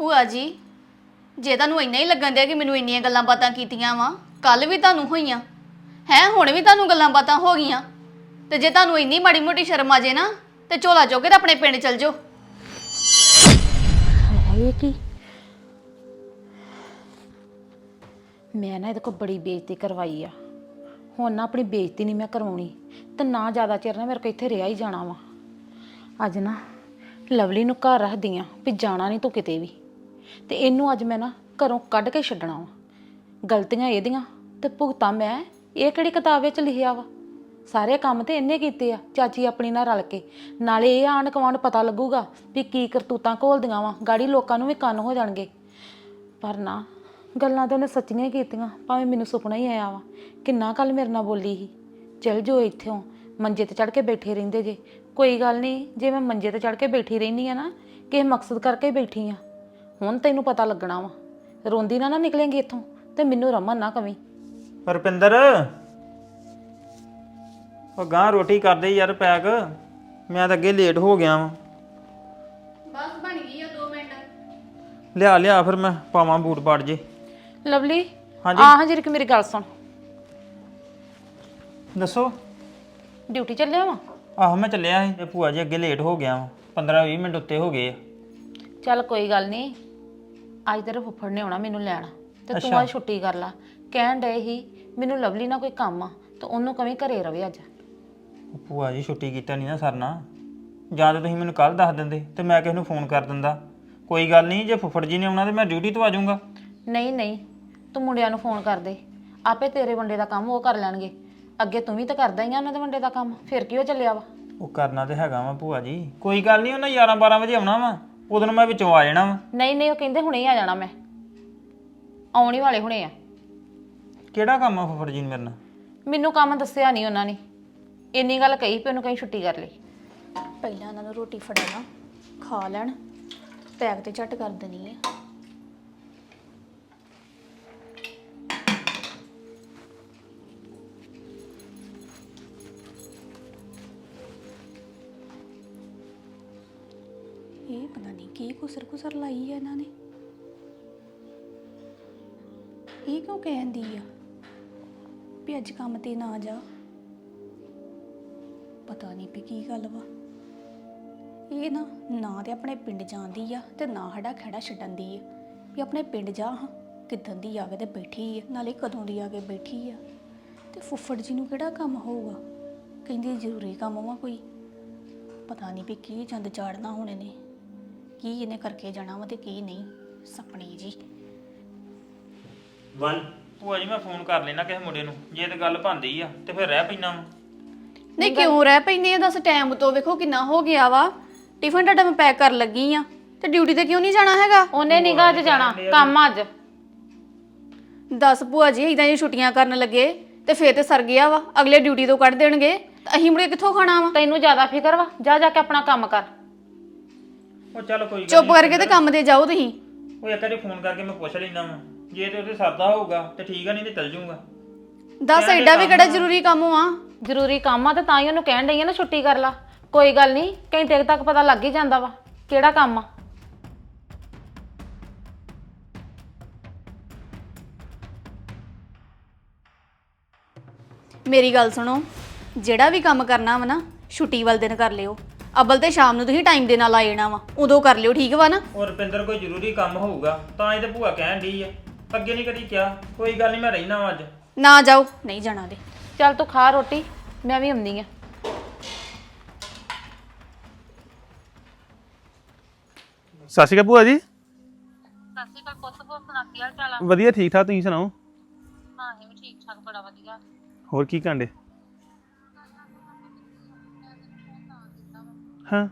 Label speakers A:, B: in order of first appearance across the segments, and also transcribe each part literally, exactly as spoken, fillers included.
A: ਭੂਆ ਜੀ ਜੇ ਤੁਹਾਨੂੰ ਇੰਨਾ ਹੀ ਲੱਗਣ ਦਿਆ ਕਿ ਮੈਨੂੰ ਇੰਨੀਆਂ ਗੱਲਾਂ ਬਾਤਾਂ ਕੀਤੀਆਂ ਵਾ ਕੱਲ ਵੀ ਤੁਹਾਨੂੰ ਹੋਈਆਂ ਹੈ ਹੁਣ ਵੀ ਤੁਹਾਨੂੰ ਗੱਲਾਂ ਬਾਤਾਂ ਹੋ ਗਈਆਂ ਤੇ ਜੇ ਤੁਹਾਨੂੰ ਇੰਨੀ ਮਾੜੀ ਮੋਟੀ ਸ਼ਰਮ ਆ ਜੇ ਨਾ ਤੇ ਝੋਲਾ ਚੁੱਕ ਕੇ ਤੇ ਆਪਣੇ ਪਿੰਡ ਚਲ ਜਾਓ।
B: ਇਹ ਕੀ ਮੈਂ ਨਾ ਇਹਦੇ ਕੋਲ ਬੜੀ ਬੇਇੱਜ਼ਤੀ ਕਰਵਾਈ ਆ। ਹੁਣ ਨਾ ਆਪਣੀ ਬੇਇੱਜ਼ਤੀ ਨਹੀਂ ਮੈਂ ਕਰਵਾਉਣੀ ਤੇ ਨਾ ਜ਼ਿਆਦਾ ਚਿਰ ਨਾ ਮੇਰੇ ਕੋਲ ਇੱਥੇ ਰਿਹਾ ਹੀ ਜਾਣਾ ਵਾ। ਅੱਜ ਨਾ ਲਵਲੀ ਨੂੰ ਘਰ ਰੱਖਦੀ ਆ ਵੀ ਜਾਣਾ ਨਹੀਂ ਤੂੰ ਕਿਤੇ ਵੀ ਤੇ ਇਹਨੂੰ ਅੱਜ ਮੈਂ ਨਾ ਘਰੋਂ ਕੱਢ ਕੇ ਛੱਡਣਾ ਵਾ। ਗਲਤੀਆਂ ਇਹਦੀਆਂ ਤੇ ਭੁਗਤਾਂ ਮੈਂ। ਇਹ ਕਿਹੜੀ ਕਿਤਾਬ ਵਿੱਚ ਲਿਖਿਆ ਵਾ? ਸਾਰੇ ਕੰਮ ਤੇ ਇਹਨੇ ਕੀਤੇ ਆ ਚਾਚੀ ਆਪਣੀ ਨਾਲ ਰਲ ਕੇ। ਨਾਲੇ ਇਹ ਆਂਢ ਗੁਆਂਢ ਪਤਾ ਲੱਗੂਗਾ ਵੀ ਕੀ ਕਰਤੂਤਾਂ ਘੋਲਦੀਆਂ ਵਾ, ਗਾੜੀ ਲੋਕਾਂ ਨੂੰ ਵੀ ਕੰਨ ਹੋ ਜਾਣਗੇ। ਪਰ ਨਾ ਗੱਲਾਂ ਤਾਂ ਉਹਨੇ ਸੱਚੀਆਂ ਹੀ ਕੀਤੀਆਂ, ਭਾਵੇਂ ਮੈਨੂੰ ਸੁਪਨਾ ਹੀ ਆਇਆ ਵਾ। ਕਿੰਨਾ ਕੱਲ ਮੇਰੇ ਨਾਲ ਬੋਲੀ ਸੀ ਚਲ ਜੋ ਇੱਥੋਂ ਮੰਜੇ ਤੇ ਚੜ ਕੇ ਬੈਠੇ ਰਹਿੰਦੇ ਜੇ। ਕੋਈ ਗੱਲ ਨਹੀਂ, ਜੇ ਮੈਂ ਮੰਜੇ ਤੇ ਚੜ ਕੇ ਬੈਠੀ ਰਹਿੰਦੀ ਆ ਨਾ ਕਿਸੇ ਮਕਸਦ ਕਰਕੇ ਬੈਠੀ ਆ। ਹੁਣ ਤੈਨੂੰ ਪਤਾ ਲੱਗਣਾ ਵਾ। ਰੋਂਦੀ ਨਾ ਨਾ ਨਿਕਲੇਂਗੀ ਇੱਥੋਂ ਤੇ ਮੈਨੂੰ ਰਮਨ ਨਾ ਕਵੀਂ।
C: ਰੁਪਿੰਦਰ ਉਹ ਗਾਂ ਰੋਟੀ ਕਰਦੇ ਯਾਰ ਪੈਕ, ਮੈਂ ਤਾਂ ਅੱਗੇ ਲੇਟ ਹੋ ਗਿਆ ਵਾਂ।
A: ਬਸ ਬਣ ਗਈ ਆ ਦੋ ਮਿੰਟ।
C: ਲਿਆ ਲਿਆ ਫਿਰ ਮੈਂ ਪਾਵਾਂ ਬੂਟ ਪਾੜ ਜੇ।
B: ਲਵਲੀ
C: ਹਾਂਜੀ
B: ਆਹ ਜਿਹੜੀ ਕਿ ਮੇਰੀ ਗੱਲ ਸੁਣ।
C: ਦੱਸੋ।
B: ਡਿਊਟੀ ਚੱਲਿਆ ਵਾ?
C: ਆਹੋ ਮੈਂ ਚੱਲਿਆ ਸੀ ਤੇ ਭੂਆ ਜੀ ਅੱਗੇ ਲੇਟ ਹੋ ਗਿਆ ਵਾਂ, ਪੰਦਰਾਂ ਵੀਹ ਮਿੰਟ ਉੱਤੇ ਹੋ ਗਏ ਆ।
B: ਚੱਲ ਕੋਈ ਗੱਲ ਨਹੀਂ, ਅੱਜ ਤੇਰੇ ਫੁੱਫੜ ਨੇ ਆਉਣਾ ਮੈਨੂੰ ਲੈਣ ਤੇ ਤੂੰ ਅੱਜ ਛੁੱਟੀ ਕਰ ਲਾ। ਕਹਿਣ ਡਏ ਸੀ ਮੈਨੂੰ ਲਵਲੀ ਨਾਲ ਕੋਈ ਕੰਮ ਆ ਤੇ ਉਹਨੂੰ ਕਵੀਂ ਘਰੇ ਰਵੇ ਅੱਜ।
C: ਭੂਆ ਜੀ ਛੁੱਟੀ ਕੀਤਾ ਨਹੀਂ ਨਾ ਸਰਨਾ, ਜਾਂ ਤਾਂ ਤੁਸੀਂ ਮੈਨੂੰ ਕੱਲ ਦੱਸ ਦਿੰਦੇ ਤੇ ਮੈਂ ਕਿਸੇ ਨੂੰ ਫੋਨ ਕਰ ਦਿੰਦਾ। ਕੋਈ ਗੱਲ ਨਹੀਂ, ਜੇ ਫੁੱਫੜ ਜੀ ਨੇ ਆਉਣਾ ਤੇ ਮੈਂ ਡਿਊਟੀ ਤੋਂ ਆ ਜਾਊਂਗਾ।
B: ਨਹੀਂ ਨਹੀਂ, ਤੂੰ ਮੁੰਡਿਆਂ ਨੂੰ ਫੋਨ ਕਰ ਦੇ, ਆਪੇ ਤੇਰੇ ਵੰਡੇ ਦਾ ਕੰਮ ਉਹ ਕਰ ਲੈਣਗੇ। ਅੱਗੇ ਤੂੰ ਵੀ ਤਾਂ ਕਰਦਾ ਹੀ ਆ ਉਹਨਾਂ ਦੇ ਵੰਡੇ ਦਾ ਕੰਮ, ਫਿਰ ਕੀ ਹੋ ਚੱਲਿਆ ਵਾ?
C: ਉਹ ਕਰਨਾ ਤੇ ਹੈਗਾ ਵਾ ਭੂਆ ਜੀ, ਕੋਈ ਗੱਲ ਨਹੀਂ। ਉਹਨਾਂ ਗਿਆਰਾਂ ਬਾਰਾਂ ਵਜੇ ਆਉਣਾ ਵਾ, ਉਦੋਂ ਨੂੰ ਮੈਂ ਵਿੱਚੋਂ ਆ ਜਾਣਾ ਵਾ।
B: ਨਹੀਂ ਨਹੀਂ, ਉਹ ਕਹਿੰਦੇ ਹੁਣੇ ਹੀ ਆ ਜਾਣਾ, ਮੈਂ ਆਉਣ ਹੀ ਵਾਲੇ ਹੁਣੇ ਆ।
C: ਕਿਹੜਾ ਕੰਮ ਆ ਫੁੱਫੜ ਜੀ ਨੇ ਮੇਰੇ ਨਾਲ? ਮੈਨੂੰ
B: ਕੰਮ ਦੱਸਿਆ ਨਹੀਂ ਉਹਨਾਂ ਨੇ, ਇੰਨੀ ਗੱਲ ਕਹੀ ਪਈ ਉਹਨੂੰ ਕਹੀਂ ਛੁੱਟੀ ਕਰ ਲਈ।
A: ਪਹਿਲਾਂ ਇਹਨਾਂ ਨੂੰ ਰੋਟੀ ਫੜਾਣਾ, ਖਾ ਲੈਣ, ਪੈਕ ਤੇ ਝੱਟ ਕਰ ਦੇਣੀ ਹੈ। ਇਹ ਪਤਾ ਨਹੀਂ ਕੀ ਕੁਸਰ ਕੁਸਰ ਲਾਈ ਹੈ ਇਹਨਾਂ ਨੇ। ਇਹ ਕਿਉਂ ਕਹਿੰਦੀ ਆ ਵੀ ਅੱਜ ਕੰਮ ਤੇ ਨਾ ਜਾ? ਪਤਾ ਨਹੀਂ ਵੀ ਕੀ ਗੱਲ ਵਾ। ਇਹ ਨਾ ਨਾ ਤੇ ਆਪਣੇ ਪਿੰਡ ਜਾਂਦੀ ਆ ਤੇ ਨਾ ਸਾਡਾ ਖੜਾ ਛੱਡਣ ਦੀ ਆ ਵੀ ਆਪਣੇ ਪਿੰਡ ਜਾ। ਹਾਂ ਕਿੱਦਣ ਦੀ ਆ ਕੇ ਤੇ ਬੈਠੀ ਆ, ਨਾਲੇ ਕਦੋਂ ਦੀ ਆ ਕੇ ਬੈਠੀ ਆ। ਤੇ ਫੁੱਫੜ ਜੀ ਨੂੰ ਕਿਹੜਾ ਕੰਮ ਹੋਊਗਾ? ਕਹਿੰਦੀ ਜ਼ਰੂਰੀ ਕੰਮ ਵਾ ਕੋਈ। ਪਤਾ ਨਹੀਂ ਵੀ ਕੀ ਚੰਦ ਚਾੜਨਾ ਹੁਣ ਇਹਨੇ, ਕੀ ਇਹਨੇ ਕਰਕੇ ਜਾਣਾ ਵਾ ਤੇ ਕੀ ਨਹੀਂ। ਸਪਣੀ ਜੀ
C: ਵਨ ਭੂਆ ਜੀ ਮੈਂ ਫੋਨ ਕਰ ਲੈਣਾ ਕਿਸੇ ਮੁੰਡੇ ਨੂੰ, ਜੇ ਤੇ ਗੱਲ ਬਣਦੀ ਆ ਤੇ ਫਿਰ ਰਹਿ ਪੈਣਾ ਵਾ।
A: ਨਹੀਂ ਕਿਉਂ ਰਹਿ ਪੈਂਦੇ ਆ? ਦੱਸ ਟਾਈਮ ਤੋਂ ਵੇਖੋ ਕਿੰਨਾ ਹੋ ਗਿਆ ਵਾ। ਟਿਫਨ ਤੁਹਾਡਾ ਮੈਂ ਪੈਕ ਕਰਨ ਲੱਗੀ ਆ ਤੇ ਡਿਊਟੀ ਤੇ ਕਿਉਂ ਨਹੀਂ ਜਾਣਾ ਹੈਗਾ?
B: ਉਹਨੇ ਨਿਗਾਹ ਅੱਜ ਜਾਣਾ ਕੰਮ ਅੱਜ।
A: ਦਸ ਭੂਆ ਜੀ ਇਦਾਂ ਹੀ ਛੁੱਟੀਆਂ ਕਰਨ ਲੱਗੇ ਤੇ ਫੇਰ ਤੇ ਸਰ ਗਿਆ ਵਾ। ਅਗਲੇ ਡਿਊਟੀ ਤੋਂ ਕੱਢ ਦੇਣਗੇ ਤਾਂ ਅਸੀਂ ਮੁੜੇ ਕਿੱਥੋਂ ਖਾਣਾ ਵਾ?
B: ਤੈਨੂੰ ਜ਼ਿਆਦਾ ਫਿਕਰ ਵਾ, ਜਾ ਜਾ ਕੇ ਆਪਣਾ ਕੰਮ ਕਰ।
C: ਉਹ ਚੱਲ ਕੋਈ ਗੱਲ
A: ਚੁੱਪ ਕਰਕੇ ਤੇ ਕੰਮ ਤੇ ਜਾਓ ਤੁਸੀਂ।
C: ਉਹ ਇੱਕ ਵਾਰੀ ਫੋਨ ਕਰਕੇ ਮੈਂ ਪੁੱਛ ਲੈਣਾ ਵਾ, ਜੇ ਤੇ ਉੱਥੇ ਸਰਦਾ ਹੋਊਗਾ ਤੇ ਠੀਕ ਆ, ਨਹੀਂ ਤੇ ਚੱਲ ਜਾਊਂਗਾ।
A: ਦਸ ਐਡਾ ਵੀ ਕਿਹੜਾ ਜ਼ਰੂਰੀ ਕੰਮ ਆ?
B: ਜ਼ਰੂਰੀ ਕੰਮ ਆ ਤੇ ਤਾਂ ਹੀ ਉਹਨੂੰ ਕਹਿਣ ਡਈ ਆ ਨਾ ਛੁੱਟੀ ਕਰ ਲਾ। ਕੋਈ ਗੱਲ ਨਹੀਂ, ਘੰਟੇ ਤੱਕ ਪਤਾ ਲੱਗ ਹੀ ਜਾਂਦਾ ਵਾ ਕਿਹੜਾ ਕੰਮ ਆ।
A: ਮੇਰੀ ਗੱਲ ਸੁਣੋ, ਜਿਹੜਾ ਵੀ ਕੰਮ ਕਰਨਾ ਵਾ ਨਾ ਛੁੱਟੀ ਵਾਲੇ ਦਿਨ ਕਰ ਲਿਓ। ਅਬਲ ਤੇ ਸ਼ਾਮ ਨੂੰ ਤੁਸੀਂ ਟਾਈਮ ਦੇ ਨਾਲ ਆ ਜਾਣਾ ਵਾ, ਉਦੋਂ ਕਰ ਲਿਓ, ਠੀਕ ਵਾ ਨਾ?
C: ਉਹ ਰੁਪਿੰਦਰ ਕੋਈ ਜ਼ਰੂਰੀ ਕੰਮ ਹੋਊਗਾ ਤਾਂ ਇਹ ਤੇ ਭੂਆ ਕਹਿਣ ਡਈ ਆ, ਅੱਗੇ ਨਹੀਂ ਕਦੀ ਕਿਹਾ। ਕੋਈ ਗੱਲ ਨਹੀਂ, ਮੈਂ ਰਹਿਣਾ ਵਾ ਅੱਜ।
A: ਨਾ ਜਾਓ, ਨਹੀਂ ਜਾਣਾ ਦੇ।
B: ਚੱਲ ਤੂੰ ਖਾ ਰੋਟੀ, ਮੈਂ ਵੀ ਆਉਂਦੀ ਆ।
D: ਸਤਿ ਸ਼੍ਰੀ ਅਕਾਲ ਭੂਆ ਜੀ।
B: ਸਤਿ ਸ਼੍ਰੀ ਅਕਾਲ ਪੁੱਤ, ਹੋਰ ਸੁਣਾ ਕੀ ਹਾਲ ਚਾਲ ਆ?
D: ਵਧੀਆ ਠੀਕ ਠਾਕ, ਤੁਸੀਂ ਸੁਣਾਓ?
B: ਹਾਂ ਇਹ ਵੀ ਠੀਕ ਠਾਕ, ਬੜਾ ਵਧੀਆ।
D: ਹੋਰ ਕੀ ਕਾਂਡੇ? ਹਾਂ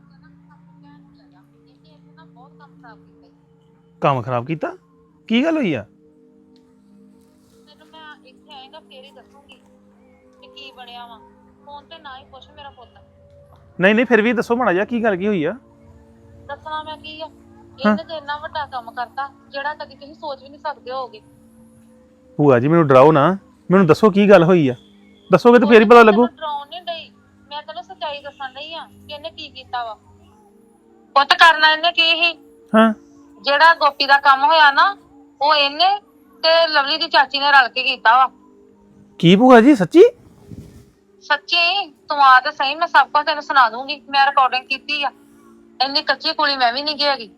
D: ਕੰਮ ਖਰਾਬ ਕੀਤਾ? ਕੀ ਗੱਲ ਹੋਈ ਆ?
B: ਤੈਨੂੰ ਮੈਂ ਇੱਥੇ ਆਏਗਾ ਫੇਰ ਹੀ ਦੱਸੂਗੀ ਕਿ ਕੀ ਬਣਿਆ ਵਾ। ਫੋਨ ਤੇ ਨਾ ਹੀ ਪੁੱਛ ਮੇਰਾ ਪੁੱਤ।
D: ਨਹੀਂ ਨਹੀਂ ਫਿਰ ਵੀ ਦੱਸੋ ਮਾੜਾ ਜਿਹਾ, ਕੀ ਗੱਲ ਕੀ ਹੋਈ ਆ?
B: ਦੱਸਣਾ ਮੈਂ ਕੀ ਆ, ਇਹਨੇ ਤੇ ਇੰਨਾ ਵੱਡਾ ਕੰਮ ਕਰਤਾ ਜਿਹੜਾ ਕਦੀ ਤੁਸੀਂ ਸੋਚ ਵੀ ਨਹੀਂ ਸਕਦੇ ਹੋਗੇ।
D: ਭੂਆ ਜੀ ਮੈਨੂੰ ਡਰਾਓ ਨਾ, ਮੈਨੂੰ ਦੱਸੋ ਕੀ ਗੱਲ ਹੋਈ ਆ। ਦੱਸੋਗੇ ਤਾਂ ਫੇਰ ਹੀ ਪਤਾ ਲੱਗੂ।
B: ਡਰਾਉਣ ਨਹੀਂ ਡਈ, ਮੈਂ ਤੈਨੂੰ ਸੱਚਾਈ ਦੱਸਣ ਡਈ ਆ ਕਿ ਇਹਨੇ ਕੀ ਕੀਤਾ ਵਾ। ਪੁੱਤ ਕਰਨਾ ਇਹਨੇ ਕੀ ਸੀ?
D: ਹਾਂ
E: ਜਿਹੜਾ ਗੋਪੀ ਦਾ ਕੰਮ ਹੋਇਆ ਨਾ ਉਹ ਇਹਨੇ ਤੇ ਲਵਲੀ ਦੀ ਚਾਚੀ ਨੇ ਰਲ ਕੇ ਕੀਤਾ ਵਾ।
D: ਕੀ ਭੂਆ ਜੀ ਸੱਚੀ?
E: ਸੱਚੀ ਤੂੰ ਆ ਤੇ ਸਹੀ, ਮੈਂ ਸਭ ਕੁਝ ਤੈਨੂੰ ਸੁਣਾ ਦੂੰਗੀ। ਮੈਂ ਰਿਕਾਰਡਿੰਗ ਕੀਤੀ ਆ। ਇੰਨੀ ਕੱਚੀ ਕੁੜੀ ਮੈਂ ਵੀ ਨਹੀਂ ਹੈਗੀ।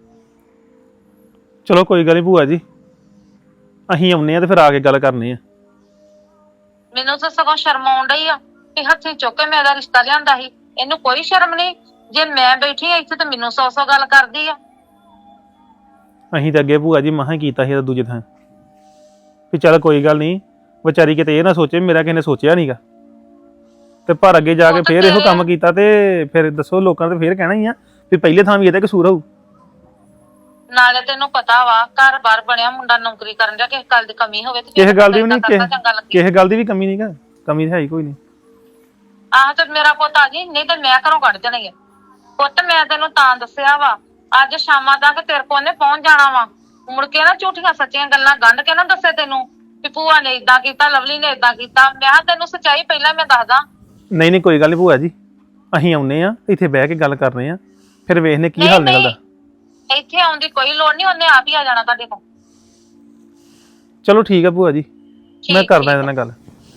D: ਚਲੋ ਕੋਈ ਗੱਲ ਨਹੀਂ ਭੂਆ ਜੀ, ਅਸੀਂ ਆਉਨੇ ਆ ਤੇ ਫਿਰ ਆ ਕੇ ਗੱਲ ਕਰਨੀ ਆ।
E: ਮੈਨੂੰ ਤਾਂ ਸਗੋਂ ਸ਼ਰਮ ਆਉਣ ਡਈ ਆ ਕਿ ਹੱਥੀਂ ਚੁੱਕ ਕੇ ਮੇਰਾ ਰਿਸ਼ਤਾ ਲਿਆਂਦਾ ਸੀ। ਇਹਨੂੰ ਕੋਈ ਸ਼ਰਮ ਨਹੀਂ। ਜੇ ਮੈਂ ਬੈਠੀ ਆ ਇੱਥੇ ਤੇ ਮੈਨੂੰ ਸੌ ਸੌ ਗੱਲ ਕਰਦੀ ਆ।
D: ਅਸੀਂ ਤਾਂ ਅੱਗੇ ਭੂਆ ਜੀ ਮਹਾਂ ਕੀਤਾ ਸੀ ਦੂਜੇ ਥਾਂ ਵੀ ਚੱਲ ਕੋਈ ਗੱਲ ਨਹੀਂ, ਵਿਚਾਰੀ ਕਿਤੇ ਇਹ ਨਾ ਸੋਚੇ ਮੇਰਾ ਕਿਸੇ ਨੇ ਸੋਚਿਆ ਨਹੀਂਗਾ, ਤੇ ਪਰ ਅੱਗੇ ਜਾ ਕੇ ਫੇਰ ਇਹੋ ਕੰਮ ਕੀਤਾ ਤੇ ਫਿਰ ਦੱਸੋ ਲੋਕਾਂ ਨੇ ਫੇਰ ਕਹਿਣਾ ਹੀ ਆ ਵੀ ਪਹਿਲੇ ਥਾਂ ਵੀ ਇਹਦਾ ਕਸੂਰ ਹੋਊ।
E: ਨਾਲੇ ਤੈਨੂੰ ਪਤਾ ਵਾ ਘਰ ਬਾਰ ਬਣਿਆ, ਮੁੰਡਾ ਨੌਕਰੀ ਕਰਨ ਦਾ, ਕਿਸੇ ਗੱਲ ਦੀ ਕਮੀ ਹੋਵੇ ਤੇ
D: ਕਿਸੇ ਗੱਲ ਦੀ ਵੀ ਨਹੀਂ, ਕਿਸੇ ਗੱਲ ਦੀ ਵੀ ਕਮੀ ਨਹੀਂਗਾ, ਕਮੀ ਤਾਂ ਹੈ ਹੀ ਕੋਈ ਨਹੀਂ।
E: ਆਹ ਤੇ ਮੇਰਾ ਪੁੱਤ ਆ ਜੀ, ਨਹੀਂ ਤੇ ਮੈਂ ਘਰੋਂ ਕੱਢ ਦੇਣਾ ਹੀ ਆ। ਪੁੱਤ ਮੈਂ ਤੈਨੂੰ ਤਾਂ ਦੱਸਿਆ ਵਾ ਅੱਜ ਸ਼ਾਮਾਂ ਤੱਕ ਤੇਰੇ ਕੋਲ ਨੇ ਪਹੁੰਚ ਜਾਣਾ ਵਾ। ਮੁੜ ਕੇ ਨਾ ਝੂਠੀਆਂ ਸੱਚੀਆਂ ਗੱਲਾਂ ਗੰਢ ਕੇ ਨਾ ਦੱਸੇ ਤੈਨੂੰ ਵੀ ਭੂਆ ਨੇ ਇਦਾਂ ਕੀਤਾ, ਲਵਲੀ ਨੇ ਇਦਾਂ ਕੀਤਾ। ਮੈਂ ਕਿਹਾ ਤੈਨੂੰ ਸੱਚਾਈ ਪਹਿਲਾਂ ਮੈਂ ਦੱਸਦਾ।
D: ਨਹੀਂ ਨਹੀਂ ਕੋਈ ਗੱਲ ਨਹੀਂ ਭੂਆ ਜੀ, ਅਸੀਂ ਆਉਨੇ ਆ ਇੱਥੇ ਬਹਿ ਕੇ ਗੱਲ ਕਰਨੇ ਆ, ਫਿਰ ਵੇਖਨੇ ਕੀ ਹਾਲ ਨਿਕਲਦਾ।
E: ਇੱਥੇ ਆਉਣ ਦੀ ਕੋਈ ਲੋੜ ਨਹੀਂ, ਉਹਨੇ ਆਪ ਹੀ ਆ ਜਾਣਾ ਤੁਹਾਡੇ ਕੋਲ।
D: ਚਲੋ ਠੀਕ ਆ ਭੂਆ ਜੀ, ਮੈਂ ਕਰਦਾ ਇਹਦੇ ਨਾਲ ਗੱਲ।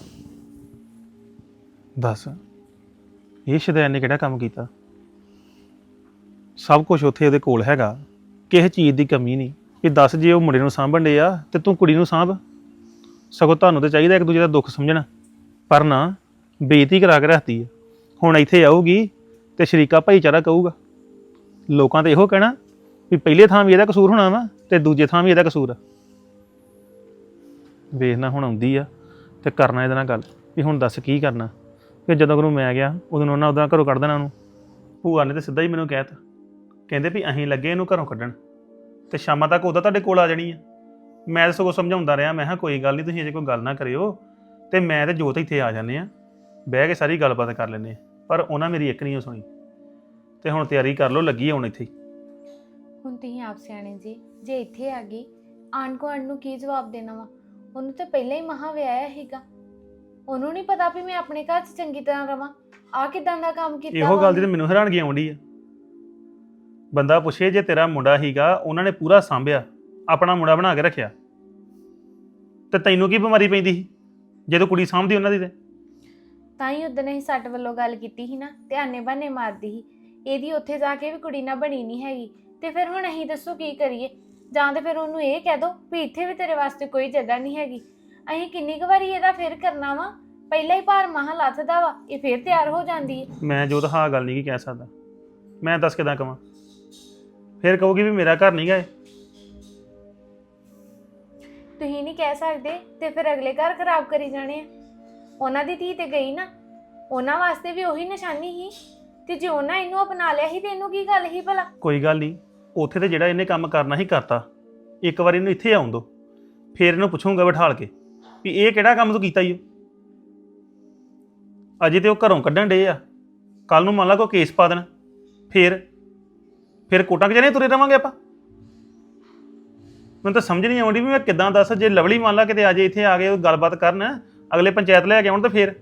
D: ਦੱਸ ਇਹ ਸ਼ੈਤਾਨ ਨੇ ਕਿਹੜਾ ਕੰਮ ਕੀਤਾ? ਸਭ ਕੁਝ ਉੱਥੇ ਉਹਦੇ ਕੋਲ ਹੈਗਾ, ਕਿਸੇ ਚੀਜ਼ ਦੀ ਕਮੀ ਨਹੀਂ। ਇਹ ਦੱਸ ਜੇ ਉਹ ਮੁੰਡੇ ਨੂੰ ਸਾਂਭਣ ਡੇ ਆ ਤੇ ਤੂੰ ਕੁੜੀ ਨੂੰ ਸਾਂਭ। ਸਗੋਂ ਤੁਹਾਨੂੰ ਤਾਂ ਚਾਹੀਦਾ ਇੱਕ ਦੂਜੇ ਦਾ ਦੁੱਖ ਸਮਝਣਾ, ਪਰ ਨਾ ਬੇਇੱਜ਼ਤੀ ਕਰਾ ਕੇ ਰੱਖਦੀ ਹੈ। ਹੁਣ ਇੱਥੇ ਆਊਗੀ ਤੇ ਸ਼ਰੀਕਾ ਭਾਈਚਾਰਾ ਕਹੂਗਾ, ਲੋਕਾਂ ਤੇ ਇਹੋ ਕਹਿਣਾ ਵੀ ਪਹਿਲੇ ਥਾਂ ਵੀ ਇਹਦਾ ਕਸੂਰ ਹੋਣਾ ਵਾ ਤੇ ਦੂਜੇ ਥਾਂ ਵੀ ਇਹਦਾ ਕਸੂਰ ਆ। ਵੇਖਣਾ ਹੁਣ ਆਉਂਦੀ ਆ ਤੇ ਕਰਨਾ ਇਹਦੇ ਨਾਲ ਗੱਲ ਵੀ ਹੁਣ ਦੱਸ ਕੀ ਕਰਨਾ। ਫਿਰ ਜਦੋਂ ਕੋਲ ਮੈਂ ਗਿਆ ਉਦੋਂ ਉਹਨਾਂ ਉਦਾਂ ਘਰੋਂ ਕੱਢ ਦੇਣਾ ਉਹਨੂੰ। ਭੂਆ ਨੇ ਤਾਂ ਸਿੱਧਾ ਹੀ ਮੈਨੂੰ ਕਹਿ ਤਾ, ਕਹਿੰਦੇ ਵੀ ਅਸੀਂ ਲੱਗੇ ਇਹਨੂੰ ਘਰੋਂ ਕੱਢਣ ਤੇ ਸ਼ਾਮਾਂ ਤੱਕ ਉਹਦਾ ਤੁਹਾਡੇ ਕੋਲ ਆ ਜਾਣੀ ਆ। ਮੈਂ ਤਾਂ ਸਗੋਂ ਸਮਝਾਉਂਦਾ ਰਿਹਾ, ਮੈਂ ਕਿਹਾ ਕੋਈ ਗੱਲ ਨਹੀਂ, ਤੁਸੀਂ ਅਜੇ ਕੋਈ ਗੱਲ ਨਾ ਕਰਿਓ ਤੇ ਮੈਂ ਤੇ ਜੋਤ ਇੱਥੇ ਆ ਜਾਂਦੇ ਆ, ਬਹਿ ਕੇ ਸਾਰੀ ਗੱਲਬਾਤ ਕਰ ਲੈਂਦੇ ਆ। ਪਰ ਉਹਨਾਂ ਮੇਰੀ ਇੱਕ ਨਹੀਂ ਸੁਣੀ ਤੇ ਹੁਣ ਤਿਆਰੀ ਕਰ ਲਓ, ਲੱਗੀ ਹੁਣ ਇੱਥੇ।
F: ਹੁਣ ਤੁਸੀਂ ਆਪ ਸਿਆਣੇ ਜੀ, ਜੇ ਇੱਥੇ ਆ ਗਈ ਆਂਢ ਗੁਆਂਢ ਨੂੰ ਕੀ ਜਵਾਬ ਦੇਣਾ ਵਾ? ਉਹਨੂੰ ਤਾਂ ਪਹਿਲਾਂ ਹੀ ਮਹਾਂ ਵਿਆਹਿਆ ਸੀਗਾ, ਉਹਨੂੰ ਨਹੀਂ ਪਤਾ ਵੀ ਮੈਂ ਆਪਣੇ ਘਰ 'ਚ ਚੰਗੀ ਤਰ੍ਹਾਂ ਰਵਾਂ। ਆ ਕਿਦਾਂ ਦਾ ਕੰਮ ਕੀਤਾ?
D: ਇਹੋ ਗੱਲ ਦੀ ਤਾਂ ਮੈਨੂੰ ਹੈਰਾਨਗੀ ਆਉਂਦੀ ਆ। ਬੰਦਾ ਪੁੱਛੇ ਜੇ ਤੇਰਾ ਮੁੰਡਾ ਹੀਗਾ, ਉਹਨਾਂ ਨੇ ਪੂਰਾ ਸਾਂਭਿਆ, ਆਪਣਾ ਮੁੰਡਾ ਬਣਾ ਕੇ ਰੱਖਿਆ, ਤੇ ਤੈਨੂੰ ਕੀ ਬਿਮਾਰੀ ਪੈਂਦੀ ਸੀ ਜਦੋਂ ਕੁੜੀ ਸਾਂਭਦੀ ਉਹਨਾਂ ਦੀ? ਤੇ
F: ਤਾਂ ਹੀ ਉਦੋਂ ਅਸੀਂ ਸੱਟ ਵੱਲੋਂ ਗੱਲ ਕੀਤੀ ਸੀ ਨਾ, ਤੇ ਆਨੇ ਬਹਾਨੇ ਮਾਰਦੀ ਸੀ। ਇਹਦੀ ਉੱਥੇ ਜਾ ਕੇ ਵੀ ਕੁੜੀ ਨਾ ਬਣੀ ਨਹੀਂ ਹੈਗੀ, ਤੇ ਫਿਰ ਹੁਣ ਅਸੀਂ ਦੱਸੋ ਕੀ ਕਰੀਏ? ਜਾਂ ਤੇ ਫਿਰ ਉਹਨੂੰ ਇਹ ਕਹਿ ਦੋ ਵੀ ਇੱਥੇ ਵੀ ਤੇਰੇ ਵਾਸਤੇ ਕੋਈ ਜਗ੍ਹਾ ਨਹੀਂ ਹੈਗੀ। ਅਸੀਂ ਕਿੰਨੀ ਕੁ ਵਾਰੀ ਇਹਦਾ ਫਿਰ ਕਰਨਾ ਵਾ? ਪਹਿਲਾਂ ਹੀ ਭਾਰ ਮਹਾਂ ਲੱਥਦਾ ਵਾ, ਇਹ ਫਿਰ ਤਿਆਰ ਹੋ ਜਾਂਦੀ ਹੈ।
D: ਮੈਂ ਜੋ ਤਾਂ ਹਾਂ ਗੱਲ ਨਹੀਂ ਕੀ ਕਹਿ ਸਕਦਾ, ਮੈਂ ਦੱਸ ਕਿਦਾਂ ਕਵਾਂ? ਫਿਰ ਕਹੋਗੀ ਵੀ ਮੇਰਾ ਘਰ ਨਹੀਂ ਗਏ।
F: ਤੁਸੀਂ ਨਹੀਂ ਕਹਿ ਸਕਦੇ ਤੇ ਫਿਰ ਅਗਲੇ ਘਰ ਖਰਾਬ ਕਰੀ ਜਾਣੇ ਆ। ਉਹਨਾਂ ਦੀ ਧੀ ਤੇ ਗਈ ਨਾ, ਉਹਨਾਂ ਵਾਸਤੇ ਵੀ ਉਹੀ ਨਿਸ਼ਾਨੀ ਸੀ, ਤੇ ਜੇ ਉਹਨਾਂ ਇਹਨੂੰ ਅਪਣਾ ਲਿਆ ਸੀ ਤੇ ਇਹਨੂੰ ਕੀ ਗੱਲ ਸੀ ਭਲਾ?
D: ਕੋਈ ਗੱਲ ਨਹੀਂ, ਉੱਥੇ ਤੇ ਜਿਹੜਾ ਇਹਨੇ ਕੰਮ ਕਰਨਾ ਹੀ ਕਰਤਾ। ਇੱਕ ਵਾਰੀ ਇਹਨੂੰ ਇੱਥੇ ਆਉਣ ਦੋ, ਫਿਰ ਇਹਨੂੰ ਪੁੱਛੂੰਗਾ ਬਿਠਾਲ ਕੇ ਵੀ ਇਹ ਕਿਹੜਾ ਕੰਮ ਤੂੰ ਕੀਤਾ ਈ ਓ। ਅਜੇ ਤੇ ਉਹ ਘਰੋਂ ਕੱਢਣ ਡੇ ਆ, ਕੱਲ ਨੂੰ ਮੰਨ ਲਾ ਕੋਈ ਕੇਸ ਪਾ ਦੇਣ, ਫਿਰ ਫਿਰ ਕੋਟਾਂ ਕਿ ਜਾਣੇ ਤੁਰੇ ਰਵਾਂਗੇ ਆਪਾਂ। ਮੈਨੂੰ ਤਾਂ ਸਮਝ ਨਹੀਂ ਆਉਂਦੀ ਵੀ ਮੈਂ ਕਿੱਦਾਂ ਦੱਸ, ਜੇ ਲਵਲੀ ਮੰਨ ਲਾ ਕਿਤੇ ਅਜੇ ਇੱਥੇ ਆ ਗਏ ਗੱਲਬਾਤ ਕਰਨ, ਅਗਲੇ ਪੰਚਾਇਤ ਲੈ ਕੇ ਆਉਣ, ਤਾਂ ਫਿਰ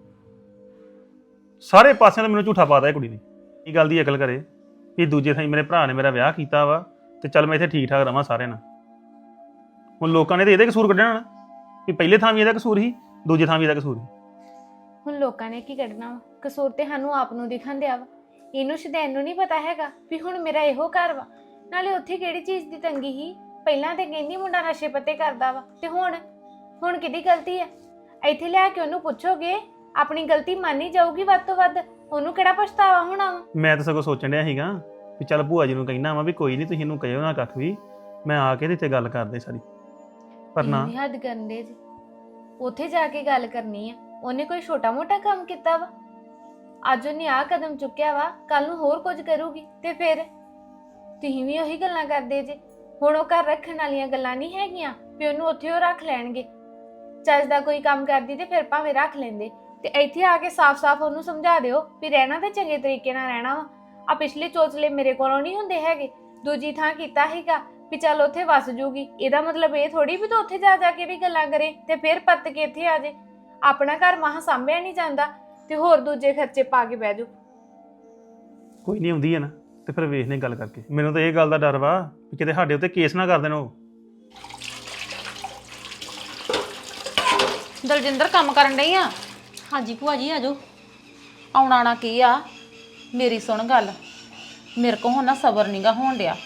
D: ਸਾਰੇ ਪਾਸਿਆਂ ਤੋਂ ਮੈਨੂੰ ਝੂਠਾ ਪਾਦਾ ਇਹ ਕੁੜੀ ਨੇ। ਇਹ ਗੱਲ ਦੀ ਅਕਲ ਕਰੇ ਵੀ ਦੂਜੇ ਥਾਂ ਮੇਰੇ ਭਰਾ ਨੇ ਮੇਰਾ ਵਿਆਹ ਕੀਤਾ ਵਾ ਤੇ ਚੱਲ ਮੈਂ ਇੱਥੇ ਠੀਕ ਠਾਕ ਰਵਾਂ ਸਾਰਿਆਂ ਨਾਲ। ਹੁਣ ਲੋਕਾਂ ਨੇ ਤਾਂ ਇਹਦੇ ਕਸੂਰ ਕੱਢਣਾ ਨਾ ਵੀ ਪਹਿਲੇ ਥਾਂ ਵੀ ਇਹਦਾ ਕਸੂਰ ਸੀ, ਦੂਜੇ ਥਾਂ ਵੀ ਇਹਦਾ ਕਸੂਰ ਸੀ।
F: ਹੁਣ ਲੋਕਾਂ ਨੇ ਕੀ ਕੱਢਣਾ ਵਾ? ਕਸੂਰ ਤੇ ਸਾਨੂੰ ਆਪ ਨੂੰ ਦਿਖਣ ਦਿਆ ਵਾ। ਇਹਨੂੰ ਸ਼ਦੈਨ ਨੂੰ ਨਹੀਂ ਪਤਾ ਹੈਗਾ ਵੀ ਹੁਣ ਮੇਰਾ ਇਹੋ ਘਰ ਵਾ। ਨਾਲੇ ਉੱਥੇ ਕਿਹੜੀ ਚੀਜ਼ ਦੀ ਤੰਗੀ ਸੀ? ਪਹਿਲਾਂ ਤੇ ਕਹਿੰਦੀ ਮੁੰਡਾ ਨਸ਼ੇ ਪੱਤੇ ਕਰਦਾ ਵਾ, ਤੇ ਹੁਣ ਹੁਣ ਕਿਹਦੀ ਗਲਤੀ ਹੈ? ਇੱਥੇ ਲਿਆ ਕੇ ਉਹਨੂੰ ਪੁੱਛੋਗੇ, ਆਪਣੀ ਗਲਤੀ ਮੰਨੀ ਜਾਊਗੀ ਵੱਧ ਤੋਂ ਵੱਧ, ਉਹਨੂੰ ਕਿਹੜਾ ਪਛਤਾਵਾ ਹੋਣਾ ਵਾ? ਮੈਂ
D: ਤਾਂ ਸਗੋਂ ਸੋਚਣ ਡਿਆ ਸੀਗਾ ਵੀ ਚੱਲ ਭੂਆ ਜੀ ਨੂੰ ਕਹਿਣਾ ਵਾ ਵੀ ਕੋਈ ਨਹੀਂ, ਤੁਸੀਂ ਇਹਨੂੰ ਕਹਿਓ ਨਾ ਕੱਖ ਵੀ, ਮੈਂ ਆ ਕੇ ਤੇ ਗੱਲ ਕਰਦੇ ਸਾਰੀ। ਪਰ ਨਾ
F: ਹੱਦ ਕਰਨ ਦੇ ਜੀ, ਉੱਥੇ ਜਾ ਕੇ ਗੱਲ ਕਰਨੀ ਆ। ਉਹਨੇ ਕੋਈ ਛੋਟਾ ਮੋਟਾ ਕੰਮ ਕੀਤਾ ਵਾ? ਅੱਜ ਉਹਨੇ ਆਹ ਕਦਮ ਚੁੱਕਿਆ ਵਾ, ਕੱਲ ਨੂੰ ਹੋਰ ਕੁਝ ਕਰੂਗੀ ਤੇ ਫਿਰ ਤੁਸੀਂ ਵੀ ਉਹੀ ਗੱਲਾਂ ਕਰਦੇ ਜੇ। ਹੁਣ ਉਹ ਘਰ ਰੱਖਣ ਵਾਲੀਆਂ ਗੱਲਾਂ ਨਹੀਂ ਹੈਗੀਆਂ ਵੀ ਉਹਨੂੰ ਉੱਥੇ ਉਹ ਰੱਖ ਲੈਣਗੇ। ਚੱਜ ਦਾ ਕੋਈ ਕੰਮ ਕਰਦੀ ਤੇ ਫਿਰ ਭਾਵੇਂ ਰੱਖ ਲੈਂਦੇ, ਤੇ ਇੱਥੇ ਆ ਕੇ ਸਾਫ਼-ਸਾਫ਼ ਉਹਨੂੰ ਸਮਝਾ ਦਿਓ ਵੀ ਰਹਿਣਾ ਤੇ ਚੰਗੇ ਤਰੀਕੇ ਨਾਲ ਰਹਿਣਾ ਵਾ। ਆ ਪਿਛਲੇ ਚੋਚਲੇ ਮੇਰੇ ਕੋਲੋਂ ਨਹੀਂ ਹੁੰਦੇ ਹੈਗੇ। ਦੂਜੀ ਥਾਂ ਕੀਤਾ ਹੈਗਾ ਵੀ ਚੱਲ ਉੱਥੇ ਵਸ ਜੂਗੀ, ਇਹਦਾ ਮਤਲਬ ਇਹ ਥੋੜੀ ਵੀ ਤੂੰ ਉੱਥੇ ਜਾ ਜਾ ਕੇ ਵੀ ਗੱਲਾਂ ਕਰੇ ਤੇ ਫਿਰ ਪੱਤ ਕੇ ਇੱਥੇ ਆ ਜੇ। ਆਪਣਾ ਘਰ ਮਹਾਂ ਸਾਂਭਿਆ ਨਹੀਂ ਜਾਂਦਾ ਤੇ ਹੋਰ ਦੂਜੇ ਖਰਚੇ ਪਾ ਕੇ ਬਹਿ ਜਾਓ।
D: ਕੋਈ ਨਹੀਂ ਆਉਂਦੀ ਹੈ ਨਾ, ਤੇ ਫਿਰ ਵੇਖਨੇ ਗੱਲ ਕਰਕੇ। ਮੈਨੂੰ ਤਾਂ ਇਹ ਗੱਲ ਦਾ ਡਰ ਵਾ ਕਿ ਕਿਤੇ ਸਾਡੇ ਉੱਤੇ ਕੇਸ ਨਾ ਕਰ ਦੇਣ ਉਹ।
B: ਦਲਜਿੰਦਰ ਕੰਮ ਕਰਨ ਡਈ ਆ?
A: ਹਾਂਜੀ ਭੂਆ ਜੀ ਆ ਜਾਓ।
B: ਆਉਣਾ ਨਾ ਕੀ ਆ, ਮੇਰੀ ਸੁਣ ਗੱਲ। ਮੇਰੇ ਕੋ ਹੁਣ ਨਾ ਸਬਰ ਨਹੀਂਗਾ ਹੋਣ ਡਿਆ।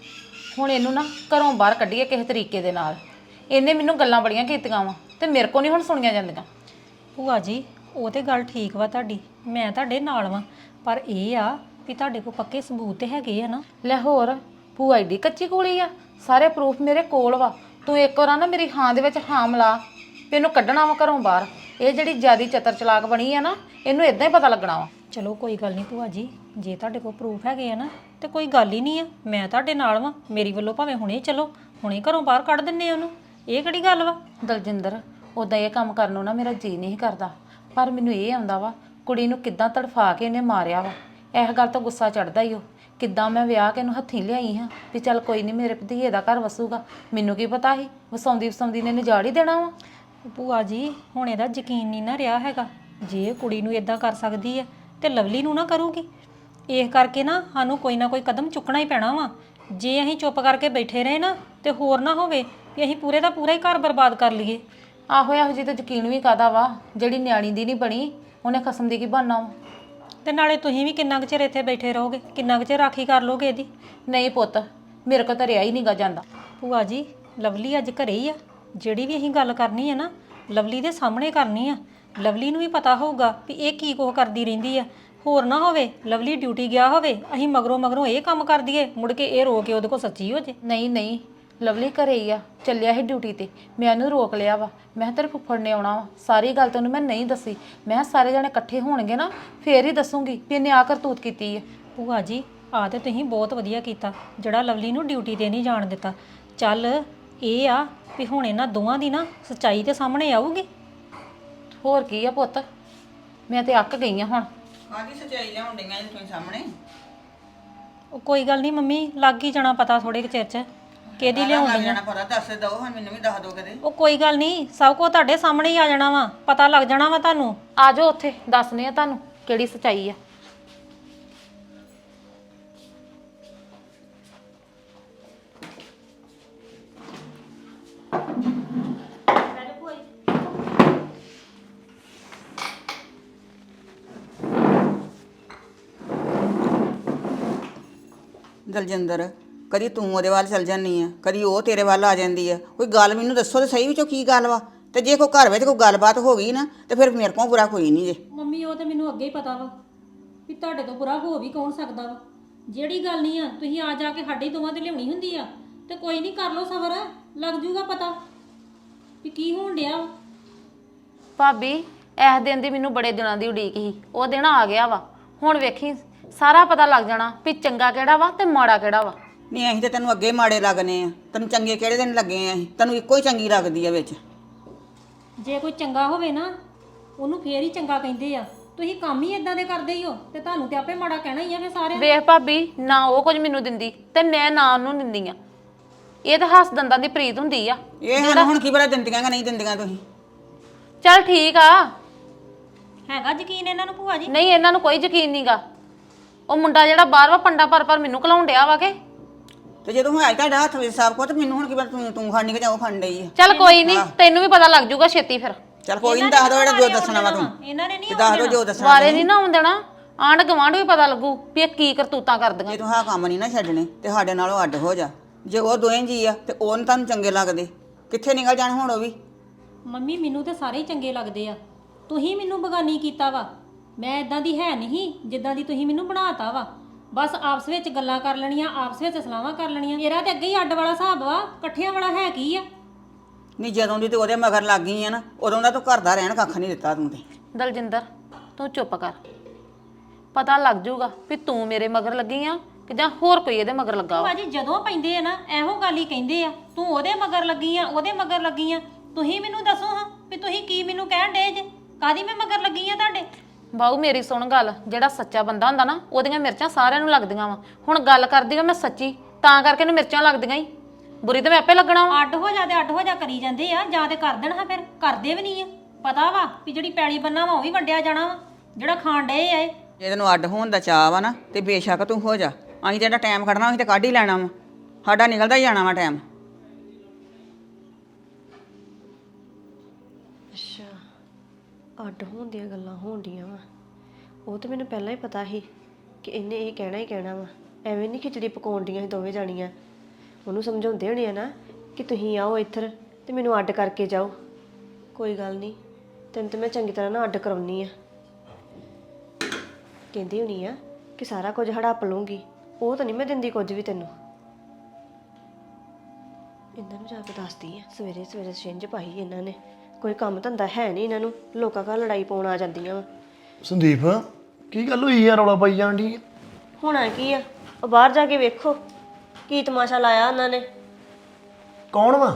B: ਹੁਣ ਇਹਨੂੰ ਨਾ ਘਰੋਂ ਬਾਹਰ ਕੱਢੀਏ ਕਿਸੇ ਤਰੀਕੇ ਦੇ ਨਾਲ। ਇਹਨੇ ਮੈਨੂੰ ਗੱਲਾਂ ਬੜੀਆਂ ਕੀਤੀਆਂ ਵਾ ਤੇ ਮੇਰੇ ਕੋ ਨਹੀਂ ਹੁਣ ਸੁਣੀਆਂ ਜਾਂਦੀਆਂ।
G: ਭੂਆ ਜੀ ਉਹ ਤੇ ਗੱਲ ਠੀਕ ਵਾ ਤੁਹਾਡੀ, ਮੈਂ ਤੁਹਾਡੇ ਨਾਲ ਵਾਂ, ਪਰ ਇਹ ਆ ਵੀ ਤੁਹਾਡੇ ਕੋਲ ਪੱਕੇ ਸਬੂਤ ਤੇ ਹੈਗੇ ਆ ਨਾ।
B: ਲੈ ਹੋਰ ਭੂਆ ਏਡੀ ਕੱਚੀ ਕੋਲੀ ਆ, ਸਾਰੇ ਪ੍ਰੂਫ ਮੇਰੇ ਕੋਲ ਵਾ। ਤੂੰ ਇੱਕ ਵਾਰ ਨਾ ਮੇਰੀ ਹਾਂ ਦੇ ਵਿੱਚ ਹਾਂ ਮਿਲਾ ਵੀ ਇਹਨੂੰ ਕੱਢਣਾ ਵਾ ਘਰੋਂ ਬਾਹਰ। ਇਹ ਜਿਹੜੀ ਜਿਆਦੀ ਚਤਰ ਚਲਾਕ ਬਣੀ ਆ ਨਾ, ਇਹਨੂੰ ਇਦਾਂ ਹੀ ਪਤਾ ਲੱਗਣਾ ਵਾ।
G: ਚਲੋ ਕੋਈ ਗੱਲ ਨਹੀਂ ਭੂਆ ਜੀ, ਜੇ ਤੁਹਾਡੇ ਕੋਲ ਪ੍ਰੂਫ ਹੈਗੇ ਆ ਨਾ ਤੇ ਕੋਈ ਗੱਲ ਹੀ ਨਹੀਂ ਆ, ਮੈਂ ਤੁਹਾਡੇ ਨਾਲ ਵਾਂ। ਮੇਰੀ ਵੱਲੋਂ ਭਾਵੇਂ ਹੁਣੇ ਚਲੋ, ਹੁਣੇ ਘਰੋਂ ਬਾਹਰ ਕੱਢ ਦਿੰਨੇ ਆ ਉਹਨੂੰ, ਇਹ ਕਿਹੜੀ ਗੱਲ ਵਾ।
B: ਦਲਜਿੰਦਰ ਉਦਾਂ ਇਹ ਕੰਮ ਕਰਨ ਨੂੰ ਨਾ ਮੇਰਾ ਜੀ ਨਹੀਂ ਕਰਦਾ, ਪਰ ਮੈਨੂੰ ਇਹ ਆਉਂਦਾ ਵਾ ਕੁੜੀ ਨੂੰ ਕਿੱਦਾਂ ਤੜਫਾ ਕੇ ਇਹਨੇ ਮਾਰਿਆ ਵਾ। ਇਸ ਗੱਲ ਤੋਂ ਗੁੱਸਾ ਚੜਦਾ ਹੀ ਉਹ। ਕਿੱਦਾਂ ਮੈਂ ਵਿਆਹ ਕੇ ਇਹਨੂੰ ਹੱਥੀਂ ਲਿਆਈ ਹਾਂ ਵੀ ਚੱਲ ਕੋਈ ਨਹੀਂ ਮੇਰੇ ਭਤੀਜੇ ਦਾ ਘਰ ਵਸੂਗਾ। ਮੈਨੂੰ ਕੀ ਪਤਾ ਸੀ ਵਸਾਉਂਦੀ ਵਸਾਉਂਦੀ ਨੇ ਨਿਜਾੜ ਹੀ ਦੇਣਾ ਵਾ।
G: ਭੂਆ ਜੀ ਹੁਣ ਇਹਦਾ ਯਕੀਨ ਨਹੀਂ ਨਾ ਰਿਹਾ ਹੈਗਾ। ਜੇ ਕੁੜੀ ਨੂੰ ਇਦਾਂ ਕਰ ਸਕਦੀ ਹੈ ਤੇ ਲਵਲੀ ਨੂੰ ਨਾ ਕਰੂਗੀ। ਇਸ ਕਰਕੇ ਨਾ ਸਾਨੂੰ ਕੋਈ ਨਾ ਕੋਈ ਕਦਮ ਚੁੱਕਣਾ ਹੀ ਪੈਣਾ ਵਾ। ਜੇ ਅਸੀਂ ਚੁੱਪ ਕਰਕੇ ਬੈਠੇ ਰਹੇ ਨਾ ਤੇ ਹੋਰ ਨਾ ਹੋਵੇ ਵੀ ਅਸੀਂ ਪੂਰੇ ਦਾ ਪੂਰਾ ਹੀ ਘਰ ਬਰਬਾਦ ਕਰ ਲਈਏ।
B: ਆਹੋ ਇਹੋ ਜੀ ਤਾਂ ਯਕੀਨ ਵੀ ਕਾਦਾ ਵਾ, ਜਿਹੜੀ ਨਿਆਣੀ ਦੀ ਨਹੀਂ ਬਣੀ ਉਹਨੇ ਖਸਮ ਦੀ ਕੀ ਬਣਨਾ ਵਾ।
G: ਤੇ ਨਾਲੇ ਤੁਸੀਂ ਵੀ ਕਿੰਨਾ ਕੁ ਚਿਰ ਇੱਥੇ ਬੈਠੇ ਰਹੋਗੇ, ਕਿੰਨਾ ਕੁ ਚਿਰ ਰਾਖੀ ਕਰ ਲੋਗੇ ਇਹਦੀ।
B: ਨਹੀਂ ਪੁੱਤ ਮੇਰੇ ਕੋਲ ਤਾਂ ਰਿਆ ਹੀ ਨਹੀਂਗਾ ਜਾਂਦਾ।
G: ਭੂਆ ਜੀ ਲਵਲੀ ਅੱਜ ਘਰੇ ਹੀ ਆ। ਜਿਹੜੀ ਵੀ ਅਸੀਂ ਗੱਲ ਕਰਨੀ ਹੈ ਨਾ ਲਵਲੀ ਦੇ ਸਾਹਮਣੇ ਕਰਨੀ ਆ। ਲਵਲੀ ਨੂੰ ਵੀ ਪਤਾ ਹੋਊਗਾ ਵੀ ਇਹ ਕੀ ਕੁਝ ਕਰਦੀ ਰਹਿੰਦੀ ਆ। ਹੋਰ ਨਾ ਹੋਵੇ ਲਵਲੀ ਡਿਊਟੀ ਗਿਆ ਹੋਵੇ, ਅਸੀਂ ਮਗਰੋਂ ਮਗਰੋਂ ਇਹ ਕੰਮ ਕਰ ਦਈਏ, ਮੁੜ ਕੇ ਇਹ ਰੋ ਕੇ ਉਹਦੇ ਕੋਲ ਸੱਚੀ ਹੋ ਜੇ।
B: ਨਹੀਂ ਨਹੀਂ ਲਵਲੀ ਘਰੇ ਹੀ ਆ, ਚੱਲਿਆ ਸੀ ਡਿਊਟੀ ਤੇ। ਮੈਂ ਉਹਨੂੰ ਰੋਕ ਲਿਆ ਵਾ। ਮੈਂ ਕਿਹਾ ਤੇਰੇ ਫੁੱਫੜ ਨੇ ਆਉਣਾ ਵਾ। ਸਾਰੀ ਗੱਲ ਤੈਨੂੰ ਮੈਂ ਨਹੀਂ ਦੱਸੀ। ਮੈਂ ਕਿਹਾ ਸਾਰੇ ਜਣੇ ਇਕੱਠੇ ਹੋਣਗੇ ਨਾ ਫੇਰ ਹੀ ਦੱਸੂਗੀ ਵੀ ਇਹਨੇ ਆ ਕਰਤੂਤ ਕੀਤੀ ਹੈ।
G: ਭੂਆ ਜੀ ਆ ਤੇ ਤੁਸੀਂ ਬਹੁਤ ਵਧੀਆ ਕੀਤਾ ਜਿਹੜਾ ਲਵਲੀ ਨੂੰ ਡਿਊਟੀ ਤੇ ਨਹੀਂ ਜਾਣ ਦਿੱਤਾ। ਚੱਲ ਇਹ ਆ ਵੀ ਹੁਣ ਇਹਨਾਂ ਦੋਵਾਂ ਦੀ ਨਾ ਸੱਚਾਈ ਤੇ ਸਾਹਮਣੇ ਆਊਗੀ।
B: ਹੋਰ ਕੀ ਆ ਪੁੱਤ, ਮੈਂ ਤੇ ਅੱਕ ਗਈ ਆ ਹੁਣ।
H: ਆਦੀ ਸੱਚਾਈ ਲਿਆਉਣ ਡਈਆਂ ਜੀ ਤੁਸੀਂ ਸਾਹਮਣੇ।
G: ਉਹ ਕੋਈ ਗੱਲ ਨਹੀਂ ਮੰਮੀ, ਲੱਗ ਹੀ ਜਾਣਾ ਪਤਾ ਥੋੜੇ ਕੁ ਚਿਰ ਚ ਕਿਹਦੀ ਲਿਆਉਣ
H: ਲੱਗ
G: ਡਈਆਂ।
H: ਜਾਣਾ ਪਤਾ, ਦੱਸ ਦਿਓ ਹੁਣ ਮੈਨੂੰ ਵੀ ਦੱਸ ਦਿਓ ਕਦੇ।
G: ਉਹ ਕੋਈ ਗੱਲ ਨਹੀਂ, ਸਭ ਕੁਝ ਤੁਹਾਡੇ ਸਾਹਮਣੇ ਹੀ ਆ ਜਾਣਾ ਵਾ, ਪਤਾ ਲੱਗ ਜਾਣਾ ਵਾ ਤੁਹਾਨੂੰ।
B: ਆ ਜਾਓ ਉੱਥੇ ਦੱਸਨੇ ਆ ਤੁਹਾਨੂੰ ਕਿਹੜੀ ਸੱਚਾਈ ਆ।
H: ਦਲਜਿੰਦਰ ਕਦੀ ਤੂੰ ਉਹਦੇ ਵੱਲ ਚਲ ਜਾਂਦੀ ਆ, ਕਦੀ ਉਹ ਤੇਰੇ ਵੱਲ ਆ ਜਾਂਦੀ ਆ। ਕੋਈ ਗੱਲ ਮੈਨੂੰ ਦੱਸੋ ਤੇ ਸਹੀ ਵਿੱਚੋਂ ਕੀ ਗੱਲ ਵਾ। ਤੇ ਜੇ ਕੋਈ ਘਰ ਵਿੱਚ ਕੋਈ ਗੱਲਬਾਤ ਹੋ ਗਈ ਨਾ ਤੇ ਫਿਰ ਮੇਰੇ ਕੋਲ ਬੁਰਾ ਕੋਈ ਨਹੀਂ ਜੇ।
G: ਮੰਮੀ ਉਹ ਤੇ ਮੈਨੂੰ ਅੱਗੇ ਹੀ ਪਤਾ ਵਾ ਵੀ ਤੁਹਾਡੇ ਤੋਂ ਬੁਰਾ ਹੋ ਵੀ ਕੌਣ ਸਕਦਾ ਵਾ। ਜਿਹੜੀ ਗੱਲ ਨਹੀਂ ਆ ਤੁਸੀਂ ਆ ਜਾ ਕੇ ਸਾਡੇ ਦੋਵਾਂ ਤੇ ਲਿਆਉਣੀ ਹੁੰਦੀ ਆ। ਤੇ ਕੋਈ ਨਹੀਂ, ਕਰ ਲਓ ਸਬਰ, ਲੱਗ ਜੂਗਾ ਪਤਾ ਵੀ ਕੀ ਹੋਣ ਡਿਆ ਵਾ।
B: ਭਾਬੀ ਇਸ ਦਿਨ ਦੀ ਮੈਨੂੰ ਬੜੇ ਦਿਨਾਂ ਦੀ ਉਡੀਕ ਸੀ, ਉਹ ਦਿਨ ਆ ਗਿਆ ਵਾ। ਹੁਣ ਵੇਖੀ ਸਾਰਾ ਪਤਾ ਲੱਗ ਜਾਣਾ ਵੀ ਚੰਗਾ ਕਿਹੜਾ ਵਾ ਤੇ ਮਾੜਾ ਕਿਹੜਾ ਵਾ।
H: ਨਹੀਂ ਅਸੀਂ ਤੇ ਤੈਨੂੰ ਅੱਗੇ ਮਾੜੇ ਲੱਗਨੇ ਆ, ਤੈਨੂੰ ਚੰਗੇ ਕਿਹੜੇ ਦਿਨ ਲੱਗੇ ਆ। ਅਸੀਂ ਤੈਨੂੰ ਇੱਕੋ ਹੀ ਚੰਗੀ ਲੱਗਦੀ ਆ ਵਿੱਚ।
G: ਜੇ ਕੋਈ ਚੰਗਾ ਹੋਵੇ ਨਾ ਉਹਨੂੰ ਫੇਰ ਹੀ ਚੰਗਾ ਕਹਿੰਦੇ ਆ। ਤੁਸੀਂ ਕੰਮ ਹੀ ਇਦਾਂ ਦੇ ਕਰਦੇ ਹੀ ਹੋ ਤੇ ਤੁਹਾਨੂੰ ਤੇ ਆਪੇ ਮਾੜਾ ਕਹਿਣਾ ਹੀ ਆ ਫੇ ਸਾਰਿਆਂ ਨੇ।
B: ਵੇਖ ਭਾਬੀ ਨਾ ਉਹ ਕੁਝ ਮੈਨੂੰ ਦਿੰਦੀ ਤੇ ਮੈਂ ਨਾ ਉਹਨੂੰ ਦਿੰਦੀ ਆ। ਇਹ ਤਾਂ ਹੱਸ ਦੰਦਾਂ ਦੀ ਪ੍ਰੀਤ ਹੁੰਦੀ ਆ।
H: ਇਹ ਸਾਨੂੰ ਹੁਣ ਕੀ ਪਤਾ ਦਿੰਦੀਆਂ ਕਿ ਨਹੀਂ ਦਿੰਦੀਆਂ ਤੁਸੀਂ।
B: ਚੱਲ ਠੀਕ ਆ।
G: ਹੈਗਾ ਯਕੀਨ ਇਹਨਾਂ ਨੂੰ ਭੂਆ ਜੀ?
B: ਨਹੀਂ ਇਹਨਾਂ ਨੂੰ ਕੋਈ ਯਕੀਨ ਨਹੀਂਗਾ। ਉਹ ਮੁੰਡਾ ਜਿਹੜਾ ਬਾਹਰ ਵਾ ਪੰਡਾ ਪਰ ਪਰ ਮੈਨੂੰ ਘਲਾਉਣ ਡਿਆ ਵਾ ਕੇ।
H: ਤੇ ਜਦੋਂ ਹੁਣ ਤੁਹਾਡਾ ਹੱਥ ਵਿੱਚ ਸਭ ਕੁਝ, ਮੈਨੂੰ ਹੁਣ ਕੀ ਪਤਾ ਤੂੰ ਤੂੰ ਖਾਣੀ ਕਿ ਜਾਂ ਉਹ ਖਾਣ ਡਈ ਆ।
B: ਚੱਲ ਕੋਈ ਨਹੀਂ, ਤੈਨੂੰ ਵੀ ਪਤਾ ਲੱਗ ਜਾਊਗਾ ਛੇਤੀ ਫਿਰ।
H: ਚੱਲ ਕੋਈ ਨਹੀਂ, ਦੱਸ ਦੋ ਜਿਹੜਾ ਜੋ ਦੱਸਣਾ ਵਾ ਤੂੰ।
G: ਇਹਨਾਂ ਨੇ ਨਹੀਂ
H: ਦੱਸ ਦੋ ਜੋ ਦੱਸਣਾ।
B: ਵਾਰੇ ਨਹੀਂ ਨਾ ਆਉਣ ਦੇਣਾ। ਆਂਢ ਗਵਾਂਢ ਵੀ ਪਤਾ ਲੱਗੂ ਵੀ ਇਹ ਕੀ ਕਰਤੂਤਾਂ ਕਰਦੀਆਂ।
H: ਜੇ ਤੂੰ ਆਹ ਕੰਮ ਨਹੀਂ ਨਾ ਛੱਡਣੇ ਤੇ ਸਾਡੇ ਨਾਲੋਂ ਅੱਡ ਹੋ ਜਾ। ਜੇ ਉਹ ਦੋਵੇਂ ਜੀ ਆ ਤੇ ਉਹ ਨੀ ਤੁਹਾਨੂੰ ਚੰਗੇ ਲੱਗਦੇ, ਕਿੱਥੇ ਨਿਕਲ ਜਾਣ ਹੁਣ ਉਹ ਵੀ।
G: ਮੰਮੀ ਮੈਨੂੰ ਤੇ ਸਾਰੇ ਹੀ ਚੰਗੇ ਲੱਗਦੇ ਆ। ਤੁਸੀਂ ਮੈਨੂੰ ਬਗਾਨੀ ਕੀਤਾ ਵਾ। ਮੈਂ ਇਦਾਂ ਦੀ ਹੈ ਨਹੀਂ ਜਿੱਦਾਂ ਦੀ ਤੁਸੀਂ ਮੈਨੂੰ ਬਣਾਤਾ ਵਾ। ਬਸ ਆਪਸ ਵਿੱਚ ਗੱਲਾਂ ਕਰ ਲੈਣੀਆਂ, ਆਪਸ ਵਿੱਚ ਸਲਾਹਾਂ ਕਰ ਲੈਣੀਆਂ। ਮੇਰਾ ਤੇ ਅੱਗੇ ਹੀ ਅੱਡ ਵਾਲਾ ਹਿਸਾਬ ਵਾ, ਇਕੱਠਿਆਂ ਵਾਲਾ ਹੈ ਕੀ ਆ।
H: ਨਹੀਂ ਜਦੋਂ ਦੀ ਤੇ ਉਹਦੇ ਮਗਰ ਲੱਗ ਗਈ ਆ ਨਾ, ਉਦੋਂ ਦਾ ਤੂੰ ਘਰ ਦਾ ਰਹਿਣ ਕੱਖ ਨਹੀਂ ਦਿੱਤਾ ਤੂੰ ਤੇ।
B: ਦਲਜਿੰਦਰ ਤੂੰ ਚੁੱਪ ਕਰ, ਪਤਾ ਲੱਗ ਜਾਊਗਾ ਵੀ ਤੂੰ ਮੇਰੇ ਮਗਰ ਲੱਗੀ ਆ ਕਿ ਜਾਂ ਹੋਰ ਕੋਈ ਇਹਦੇ ਮਗਰ ਲੱਗਾ ਵਾ।
G: ਭਾਜੀ ਜਦੋਂ ਪੈਂਦੇ ਆ ਨਾ ਇਹੋ ਗੱਲ ਹੀ ਕਹਿੰਦੇ ਆ, ਤੂੰ ਉਹਦੇ ਮਗਰ ਲੱਗੀ ਆ, ਉਹਦੇ ਮਗਰ ਲੱਗੀ ਆ। ਤੁਸੀਂ ਮੈਨੂੰ ਦੱਸੋ ਹਾਂ ਵੀ ਤੁਸੀਂ ਕੀ ਮੈਨੂੰ ਕਹਿਣ ਡੇ ਜੇ, ਕਾਦੀ ਮੈਂ ਮਗਰ ਲੱਗੀ ਆ ਤੁਹਾਡੇ?
B: ਬਾਊ ਮੇਰੀ ਸੁਣ ਗੱਲ, ਜਿਹੜਾ ਸੱਚਾ ਬੰਦਾ ਹੁੰਦਾ ਨਾ ਉਹਦੀਆਂ ਮਿਰਚਾਂ ਸਾਰਿਆਂ ਨੂੰ ਲੱਗਦੀਆਂ ਵਾ। ਹੁਣ ਗੱਲ ਕਰਦੀ ਆ ਮੈਂ ਸੱਚੀ, ਤਾਂ ਕਰਕੇ ਇਹਨੂੰ ਮਿਰਚਾਂ ਲੱਗਦੀਆਂ ਹੀ। ਬੁਰੀ ਤਾਂ ਮੈਂ ਆਪੇ ਲੱਗਣਾ ਵਾ।
G: ਅੱਡ ਹੋ ਜਾ ਤੇ ਅੱਡ ਹੋ ਜਾ ਕਰੀ ਜਾਂਦੇ ਆ, ਜਾਂ ਤੇ ਕਰ ਦੇਣ ਹਾਂ, ਫਿਰ ਕਰਦੇ ਵੀ ਨਹੀਂ ਆ। ਪਤਾ ਵਾ ਵੀ ਜਿਹੜੀ ਪੈਲੀ ਬੰਨਾ ਵਾ ਉਹ ਵੀ ਵੰਡਿਆ ਜਾਣਾ ਵਾ, ਜਿਹੜਾ ਖਾਣ ਡਏ ਆ ਇਹ।
H: ਜੇ ਤੈਨੂੰ ਅੱਡ ਹੋਣ ਦਾ ਚਾਅ ਵਾ ਨਾ ਤੇ ਬੇਸ਼ੱਕ ਤੂੰ ਹੋ ਜਾ, ਅਸੀਂ ਜਿਹੜਾ ਟਾਈਮ ਕੱਢਣਾ ਅਸੀਂ ਤਾਂ ਕੱਢ ਹੀ ਲੈਣਾ ਵਾ ਸਾਡਾ ਨਿਕਲਦਾ ਹੀ ਜਾਣਾ ਵਾ ਟਾਈਮ।
I: ਅੱਛਾ ਅੱਡ ਹੋਣ ਦੀਆਂ ਗੱਲਾਂ ਹੋਣ ਡੀਆਂ ਵਾ, ਉਹ ਤਾਂ ਮੈਨੂੰ ਪਹਿਲਾਂ ਹੀ ਪਤਾ ਸੀ ਕਿ ਇਹਨੇ ਇਹ ਕਹਿਣਾ ਹੀ ਕਹਿਣਾ ਵਾ। ਐਵੇਂ ਨਹੀਂ ਖਿਚੜੀ ਪਕਾਉਣ ਡੀਆਂ ਸੀ ਦੋਵੇਂ ਜਾਣੀਆਂ। ਉਹਨੂੰ ਸਮਝਾਉਂਦੇ ਹੋਣੇ ਆ ਨਾ ਕਿ ਤੁਸੀਂ ਆਓ ਇੱਧਰ ਤੇ ਮੈਨੂੰ ਅੱਡ ਕਰਕੇ ਜਾਓ। ਕੋਈ ਗੱਲ ਨਹੀਂ, ਤੈਨੂੰ ਤਾਂ ਮੈਂ ਚੰਗੀ ਤਰ੍ਹਾਂ ਨਾ ਅੱਡ ਕਰਾਉਣੀ ਆ। ਕਹਿੰਦੀ ਹੋਣੀ ਆ ਕਿ ਸਾਰਾ ਕੁਝ ਹੜੱਪ ਲੂੰਗੀ, ਉਹ ਤਾਂ ਨਹੀਂ ਮੈਂ ਦਿੰਦੀ ਕੁਝ ਵੀ ਤੈਨੂੰ। ਇਹਨਾਂ ਨੂੰ ਜਾ ਕੇ ਦੱਸਦੀ ਆ, ਸਵੇਰੇ ਸਵੇਰੇ ਛਿੰਝ ਪਾਈ ਇਹਨਾਂ ਨੇ। ਕੋਈ ਕੰਮ ਧੰਦਾ ਹੈ ਨਹੀਂ ਇਹਨਾਂ ਨੂੰ, ਲੋਕਾਂ ਘਰ ਲੜਾਈ ਪਾਉਣ ਆ ਜਾਂਦੀਆਂ ਵਾ।
J: ਸੰਦੀਪ ਕੀ ਗੱਲ ਹੋਈ ਯਾਰ, ਰੌਲਾ ਪਾਈ ਜਾਣ ਦੀ?
I: ਹੋਣਾ ਕੀ ਆ, ਉਹ ਬਾਹਰ ਜਾ ਕੇ ਵੇਖੋ ਕੀ ਤਮਾਸ਼ਾ ਲਾਇਆ ਉਹਨਾਂ ਨੇ।
J: ਕੌਣ ਵਾ?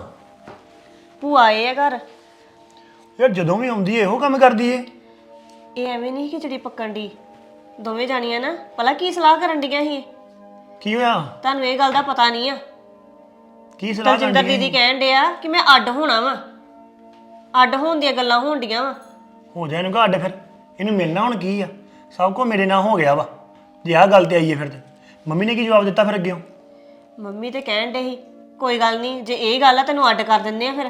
I: ਭੂਆ ਆਏ ਆ ਘਰ।
J: ਯਾਰ ਜਦੋਂ ਵੀ ਆਉਂਦੀ ਏ ਇਹੋ ਕੰਮ ਕਰਦੀ ਏ।
I: ਇਹ ਐਵੇਂ ਨਹੀਂ ਖਿਚੜੀ ਪੱਕਣ ਦੀ, ਦੋਵੇਂ ਜਾਣੀਆਂ ਨਾ ਭਲਾ ਕੀ ਸਲਾਹ ਕਰਨ ਡੀਆਂ ਸੀ।
J: ਕੀ ਹੋਇਆ?
I: ਤੁਹਾਨੂੰ ਇਹ ਗੱਲ ਦਾ ਪਤਾ ਨਹੀਂ ਆ।
J: ਕੀ ਸਲਾਹ
I: ਦਲਜਿੰਦਰ
J: ਕਰਦੀ
I: ਦੀਦੀ ਕਹਿਣ ਡਿਆ ਕਿ ਮੈਂ ਅੱਡ ਹੋਣਾ ਵਾ, ਅੱਡ ਹੋਣ ਦੀਆਂ ਗੱਲਾਂ ਹੋਣ ਡੀਆਂ ਵਾ।
J: ਹੋ ਜਾ ਇਹਨੂੰ ਘੱਟ, ਫਿਰ ਇਹਨੂੰ ਮਿਲਣਾ ਹੁਣ ਕੀ ਆ? ਸਭ ਕੁਝ ਮੇਰੇ ਨਾਲ ਹੋ ਗਿਆ ਵਾ, ਜੇ ਆਹ ਗੱਲ ਤੇ ਆਈਏ ਫਿਰ ਤੇ। ਮੰਮੀ ਨੇ ਕੀ ਜਵਾਬ ਦਿੱਤਾ ਫਿਰ ਅੱਗੇ?
I: ਮੰਮੀ ਤੇ ਕਹਿਣ ਡੇ ਸੀ ਕੋਈ ਗੱਲ ਨਹੀਂ, ਜੇ ਇਹ ਗੱਲ ਆ ਤੈਨੂੰ ਅੱਡ ਕਰ ਦਿੰਦੇ ਆ। ਫਿਰ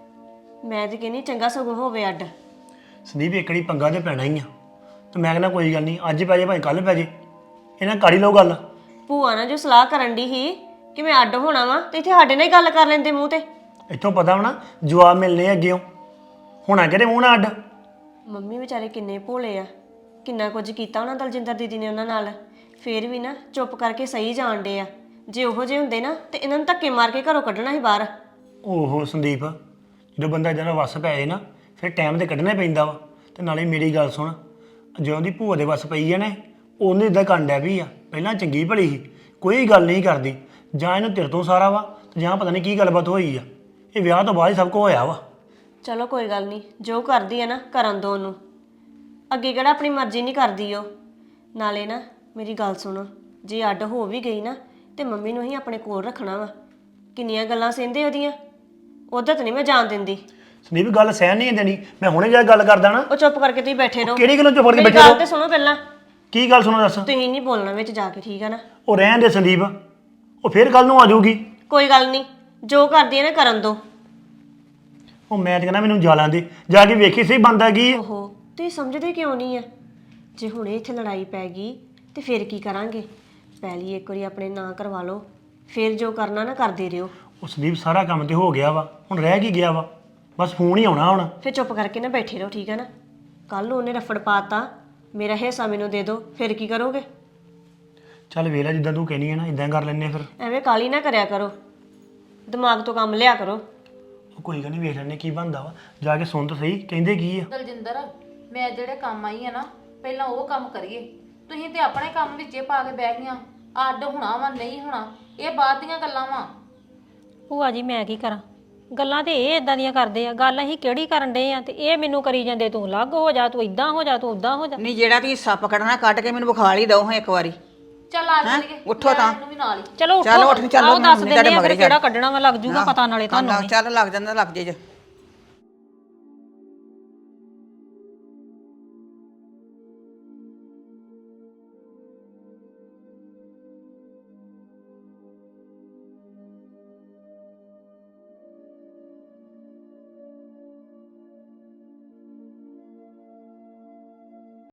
I: ਮੈਂ ਤੇ ਕਹਿੰਦੀ ਚੰਗਾ ਸਗੋਂ ਹੋਵੇ ਅੱਡ।
J: ਸੰਦੀਪ ਇਕੜੀ ਪੰਗਾ ਤੇ ਪੈਣਾ ਹੀ ਆ, ਤੇ ਮੈਂ ਕਹਿੰਦਾ ਕੋਈ ਗੱਲ ਨਹੀਂ, ਅੱਜ ਪੈ ਜੇ ਭਾਵੇਂ ਕੱਲ ਪੈ ਜੇ, ਇਹਨਾਂ ਕਾੜੀ ਲਓ ਗੱਲ।
I: ਭੂਆ ਨਾਲ ਜੋ ਸਲਾਹ ਕਰਨ ਦੀ ਸੀ ਕਿ ਮੈਂ ਅੱਡ ਹੋਣਾ ਵਾ, ਤੇ ਇੱਥੇ ਸਾਡੇ ਨਾਲ ਹੀ ਗੱਲ ਕਰ ਲੈਂਦੇ ਮੂੰਹ ਤੇ।
J: ਇੱਥੋਂ ਪਤਾ ਹੋਣਾ ਜਵਾਬ ਮਿਲਨੇ ਅੱਗੇੋਂ, ਹੋਣਾ ਕਿਹੜੇ ਮੂੰਹ ਨਾਲ ਅੱਡ।
I: ਮੰਮੀ ਵਿਚਾਰੇ ਕਿੰਨੇ ਭੋਲੇ ਆ, ਕਿੰਨਾ ਕੁਝ ਕੀਤਾ ਉਹਨਾਂ ਦਲਜਿੰਦਰ ਦੀਦੀ ਨੇ ਉਹਨਾਂ ਨਾਲ, ਫੇਰ ਵੀ ਨਾ ਚੁੱਪ ਕਰਕੇ ਸਹੀ ਜਾਣਦੇ ਆ। ਜੇ ਉਹੋ ਜਿਹੇ ਹੁੰਦੇ ਨਾ ਤੇ ਇਹਨਾਂ ਨੂੰ ਧੱਕੇ ਮਾਰ ਕੇ ਘਰੋਂ ਕੱਢਣਾ ਸੀ ਬਾਹਰ।
J: ਓਹੋ ਸੰਦੀਪ, ਜਦੋਂ ਬੰਦਾ ਜਦੋਂ ਵੱਸ ਪੈ ਜਾਏ ਨਾ ਫਿਰ ਟਾਈਮ ਤੇ ਕੱਢਣਾ ਹੀ ਪੈਂਦਾ ਵਾ। ਤੇ ਨਾਲੇ ਮੇਰੀ ਗੱਲ ਸੁਣ, ਜਦੋਂ ਦੀ ਭੂਆ ਦੇ ਵੱਸ ਪਈ ਆ ਨਾ, ਉਹਨੇ ਇਦਾਂ ਕਰਨ ਡਿਆ ਵੀ ਆ। ਪਹਿਲਾਂ ਚੰਗੀ ਭਲੀ ਸੀ, ਕੋਈ ਗੱਲ ਨਹੀਂ ਕਰਦੀ, ਜਾਂ ਇਹਨੂੰ ਤੇਰੇ ਤੋਂ ਸਾਰਾ ਵਾ ਤੇ ਜਾਂ ਪਤਾ ਨਹੀਂ ਕੀ ਗੱਲਬਾਤ ਹੋਈ ਆ। ਇਹ ਵਿਆਹ ਤੋਂ ਬਾਅਦ ਹੀ ਸਭ ਕੁਝ ਹੋਇਆ ਵਾ।
I: ਚਲੋ ਕੋਈ ਗੱਲ ਨਹੀਂ, ਜੋ ਕਰਦੀ ਆ ਨਾ ਕਰਨ ਦੋ ਉਹਨੂੰ, ਅੱਗੇ ਕਿਹੜਾ ਆਪਣੀ ਮਰਜ਼ੀ ਨਹੀਂ ਕਰਦੀ ਉਹ। ਨਾਲੇ ਨਾ ਮੇਰੀ ਗੱਲ ਸੁਣੋ, ਜੇ ਅੱਡ ਹੋ ਵੀ ਗਈ ਨਾ ਤੇ ਮੰਮੀ ਨੂੰ ਹੀ ਆਪਣੇ ਕੋਲ ਰੱਖਣਾ ਵਾ। ਕਿੰਨੀਆਂ ਗੱਲਾਂ ਸਹਿੰਦੇ ਉਹਦੀਆਂ, ਉਧਰ ਤਾਂ ਨਹੀਂ ਮੈਂ ਜਾਣ ਦਿੰਦੀ।
J: ਸੰਦੀਪ ਗੱਲ ਸਹਿਣ ਨਹੀਂ ਦੇਣੀ, ਮੈਂ ਹੁਣੇ ਜਾ ਕੇ ਗੱਲ ਕਰਦਾ ਨਾ।
I: ਉਹ ਚੁੱਪ ਕਰਕੇ ਤੁਸੀਂ ਬੈਠੇ ਰਹੋ।
J: ਕਿਹੜੀ ਗੱਲੋਂ ਚੁੱਪ ਕਰਕੇ
I: ਮੇਰੀ
J: ਬੈਠੇ
I: ਗੱਲ
J: ਰਹੋ?
I: ਤੇ ਸੁਣੋ ਪਹਿਲਾਂ।
J: ਕੀ ਗੱਲ ਸੁਣੋ ਦੱਸ।
I: ਤੁਸੀਂ ਨਹੀਂ ਬੋਲਣਾ ਵਿੱਚ ਜਾ ਕੇ, ਠੀਕ ਆ ਨਾ?
J: ਉਹ ਰਹਿਣ ਦੇ ਸੰਦੀਪ, ਉਹ ਫਿਰ ਕੱਲ ਨੂੰ ਆ ਜਾਊਗੀ।
I: ਕੋਈ ਗੱਲ ਨਹੀਂ, ਜੋ ਕਰਦੀ ਹੈ ਨਾ ਕਰਨ ਦੋ।
J: ਉਹ ਮੈਂ ਤਾਂ ਕਹਿੰਦਾ ਮੈਨੂੰ ਜਾ ਲੈਣ ਦੇ, ਜਾ ਕੇ ਵੇਖੀ ਸਹੀ ਬੰਦਾ ਕੀ ਹੈ।
I: ਓਹੋ ਤੁਸੀਂ ਸਮਝਦੇ ਕਿਉਂ ਨਹੀਂ ਆ? ਜੇ ਹੁਣੇ ਇੱਥੇ ਲੜਾਈ ਪੈ ਗਈ ਤੇ ਫਿਰ ਕੀ ਕਰਾਂਗੇ? ਪਹਿਲੀ ਇੱਕ ਵਾਰੀ ਆਪਣੇ ਨਾਂ ਕਰਵਾ ਲਓ, ਫਿਰ ਜੋ ਕਰਨਾ ਨਾ ਕਰਦੇ ਰਿਓ।
J: ਉਹ ਸੰਦੀਪ ਸਾਰਾ ਕੰਮ ਤੇ ਹੋ ਗਿਆ ਵਾ, ਹੁਣ ਰਹਿ ਕੀ ਗਿਆ ਵਾ? ਬਸ ਫੋਨ ਹੀ ਆਉਣਾ ਹੁਣ।
I: ਫਿਰ ਚੁੱਪ ਕਰਕੇ ਨਾ ਬੈਠੇ ਰਹੋ, ਠੀਕ ਹੈ ਨਾ? ਕੱਲ ਨੂੰ ਉਹਨੇ ਰਫੜ ਪਾਤਾ ਮੇਰਾ ਹਿੱਸਾ ਮੈਨੂੰ ਦੇ ਦਿਓ, ਫਿਰ ਕੀ ਕਰੋਗੇ?
J: ਚੱਲ ਵੇਖ ਲੈ ਜਿੱਦਾਂ ਤੂੰ ਕਹਿਨੀ ਹੈ ਨਾ ਇਦਾਂ ਕਰ ਲੈਂਦੇ ਫਿਰ।
I: ਐਵੇਂ ਕਾਲੀ ਨਾ ਕਰਿਆ ਕਰੋ, ਦਿਮਾਗ ਤੋਂ ਕੰਮ ਲਿਆ ਕਰੋ।
J: ਉਹ ਕੋਈ ਗੱਲ ਨਹੀਂ, ਵੇਖ ਲੈਂਦੇ ਕੀ ਬਣਦਾ ਵਾ, ਜਾ ਕੇ ਸੁਣ ਤਾਂ ਸਹੀ ਕਹਿੰਦੇ ਕੀ ਆ।
B: ਦਲਜਿੰਦਰ, ਮੈਂ ਜਿਹੜੇ ਕੰਮ ਆਈ ਆ ਨਾ ਪਹਿਲਾਂ ਉਹ ਕੰਮ ਕਰੀਏ। ਤੁਸੀਂ ਤੇ ਆਪਣੇ ਕੰਮ ਵਿੱਚੇ ਪਾ ਕੇ ਬਹਿ ਗਈਆਂ। ਅੱਡ ਹੋਣਾ ਵਾ ਨਹੀਂ ਹੋਣਾ ਇਹ ਬਾਅਦ ਦੀਆਂ ਗੱਲਾਂ ਵਾ।
G: ਭੂਆ ਜੀ ਮੈਂ ਕੀ ਕਰਾਂ, ਗੱਲਾਂ ਤੇ ਇਹ ਇਦਾਂ ਦੀਆਂ ਕਰਦੇ ਆ। ਗੱਲ ਅਸੀਂ ਕਿਹੜੀ ਕਰਨ ਡਏ ਆ ਤੇ ਇਹ ਮੈਨੂੰ ਕਰੀ ਜਾਂਦੇ, ਤੂੰ ਅਲੱਗ ਹੋ ਜਾ, ਤੂੰ ਇਦਾਂ ਹੋ ਜਾ, ਤੂੰ ਉਦਾਂ ਹੋ ਜਾ।
H: ਨਹੀਂ ਜਿਹੜਾ ਤੁਸੀਂ ਸੱਪ ਕੱਢਣਾ ਕੱਢ ਕੇ ਮੈਨੂੰ ਵਿਖਾ ਲਈ ਦਿਓ ਹਾਂ ਇੱਕ ਵਾਰੀ।
B: ਚੱਲ ਆ ਚੱਲੀਏ,
H: ਉੱਠੋ ਤਾਂ।
B: ਮੈਨੂੰ ਵੀ ਨਾਲ ਹੀ।
G: ਚਲੋ
H: ਚਲੋ
G: ਉੱਠੋ,
H: ਉੱਠ ਚੱਲੋ,
G: ਆਓ ਦੱਸ
H: ਮੈਂ
G: ਦਿੰਦੇ ਆ
H: ਤੁਹਾਡੇ
G: ਫਿਰ ਕਿਹੜਾ ਕੱਢਣਾ ਵਾ, ਲੱਗ ਜੂਗਾ ਪਤਾ ਨਾਲੇ ਤੁਹਾਨੂੰ ਵੀ।
H: ਚੱਲ ਲੱਗ ਜਾਂਦਾ, ਲੱਗ ਜੇ ਜੇ।